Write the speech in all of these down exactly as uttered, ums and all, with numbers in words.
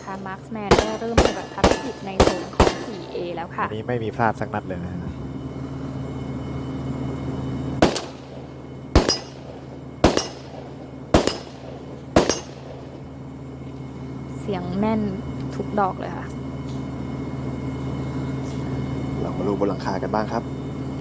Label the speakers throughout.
Speaker 1: นะคะมาร์คแมนได้เริ่มปฏิบัติภารกิจในโซนของ โฟร์ เอ แล้วค่ะ
Speaker 2: อันนี้ไม่มีพลาดสักนัดเลยนะ
Speaker 1: เสียงแน่นทุกดอกเลยค่ะ
Speaker 3: เรามาดูบนหลังคากันบ้างครับ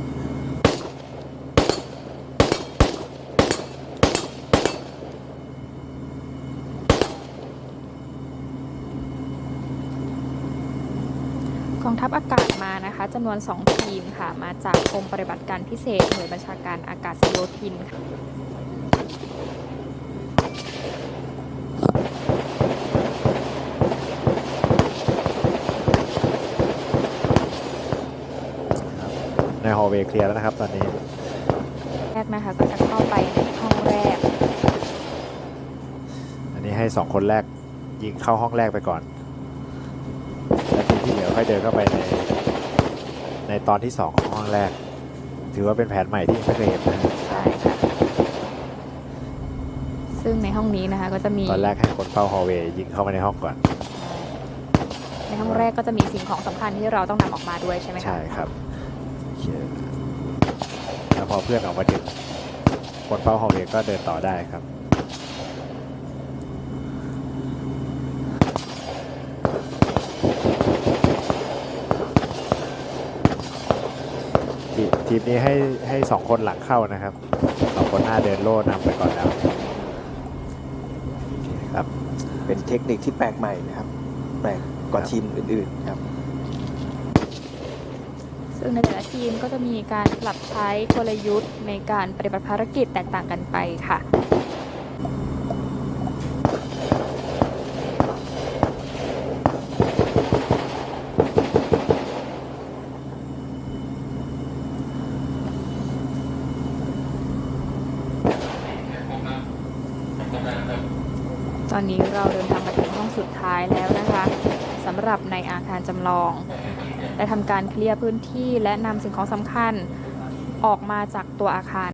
Speaker 1: กองทัพอากาศมานะคะจำนวนสองทีมค่ะมาจากกรมปฏิบัติการพิเศษหน่วยบัญชาการอากาศโยธินค่ะ
Speaker 2: ในฮอลเวย์เคลียร์แล้วนะครับตอนนี้
Speaker 1: แรกนะคะก็จะเข้าไปในห้องแรก
Speaker 2: อันนี้ให้สองคนแรกยิงเข้าห้องแรกไปก่อนแล้วทีที่เหลือค่อยเดินเข้าไปในในตอนที่สองของห้องแรกถือว่าเป็นแผนใหม่ที่ไม่เคยเห็นนะ
Speaker 1: ใช่ค่ะซึ่งในห้องนี้นะคะก็จะมี
Speaker 2: ตอนแรกให้คนเฝ้าฮอลเวย์ยิงเข้ามาในห้องก่อน
Speaker 1: ในห้องแรกก็จะมีสิ่งของสำคัญที่เราต้องนำออกมาด้วยใช่ไหมคะ
Speaker 2: ใช่ครับแล้วพอเพื่อนออกมาถึงคนเฝ้าฮอลเวย์ก็เดินต่อได้ครับทีมนี้ให้ให้สองคนหลังเข้านะครับสองคนหน้าเดินโล่นำไปก่อนแล้วครับ
Speaker 3: เป็นเทคนิคที่แปลกใหม่นะครับ แปลกกว่าทีมอื่นๆครับ
Speaker 1: ซึ่งในแต่ละทีมก็จะมีการปรับใช้กลยุทธ์ในการปฏิบัติภารกิจแตกต่างกันไปค่ะตอนนี้เราเดินทางมาถึงห้องสุดท้ายแล้วนะคะสำหรับในอาคารจำลองได้ทำการเคลียร์พื้นที่และนำสิ่งของสำคัญออกมาจากตัวอาคาร